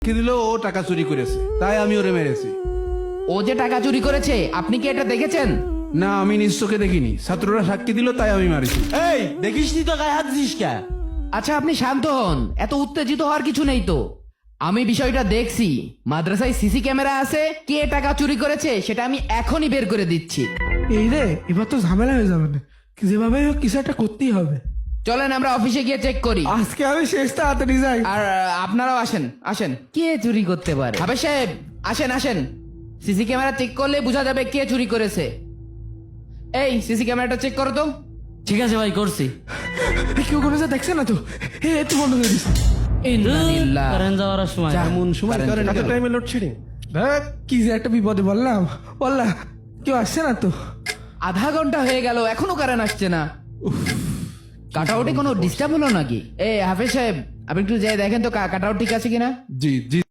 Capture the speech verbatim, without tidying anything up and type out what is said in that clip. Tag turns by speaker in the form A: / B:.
A: সাক্ষী দিল ও টাকা চুরি করেছে, তাই আমি ওরে মেরেছি।
B: ও যে টাকা চুরি করেছে আপনি কি এটা দেখেছেন?
A: না, আমি নিজ চোখে দেখিনি, ছাত্ররা সাক্ষী দিল তাই আমি মারিছি।
C: এই দেখিস নি তো গায়ে হাত দিস কে?
B: আচ্ছা আপনি শান্ত হন, এত উত্তেজিত হওয়ার কিছু নেই তো। আমি বিষয়টা দেখছি, মাদ্রাসায় সিসি ক্যামেরা আছে, কে টাকা চুরি করেছে সেটা আমি এখনই বের করে দিচ্ছি।
D: এই রে, এবার তো ঝামেলা হয়ে যাবে না, যেভাবে হোক কিছু একটা করতেই হবে।
B: চলেন আমরা অফিসে গিয়ে চেক করি।
D: আজকে আমি শেষ তাড়াতাড়ি যাই।
B: আর আহ, আপনারাও আসেন আসেন। কে চুরি করতে পারে? হাফেজ সাহেব আসেন আসেন, সিসি ক্যামেরা চেক করলে বোঝা যাবে কে চুরি করেছে। এই সিসি ক্যামেরাটা চেক করো তো।
C: ঠিক আছে ভাই, করছি।
D: কেউ কোনো যা দেখছে না তো? এ একটু বন্ধ করে দিস।
B: ইন্নালিল্লাহ।
C: কারেন্ট যাওয়ার সময়
A: এমন সময়
B: কারেন্ট
A: করেন
B: গেল।
A: এত টাইমে লোডশেডিং।
D: দেখ, কি যে একটা বিপদে বললাম বললাম কেউ আসছে না তো।
B: আধা ঘন্টা হয়ে গেল এখনো কারেন্ট আসছে না। কাটাউটে কোনো ডিস্টার্ব হলো নাকি? এ হাফেজ সাহেব আপনি একটু যাই দেখেন তো কাটাউট ঠিক আছে কিনা।
A: জি জি।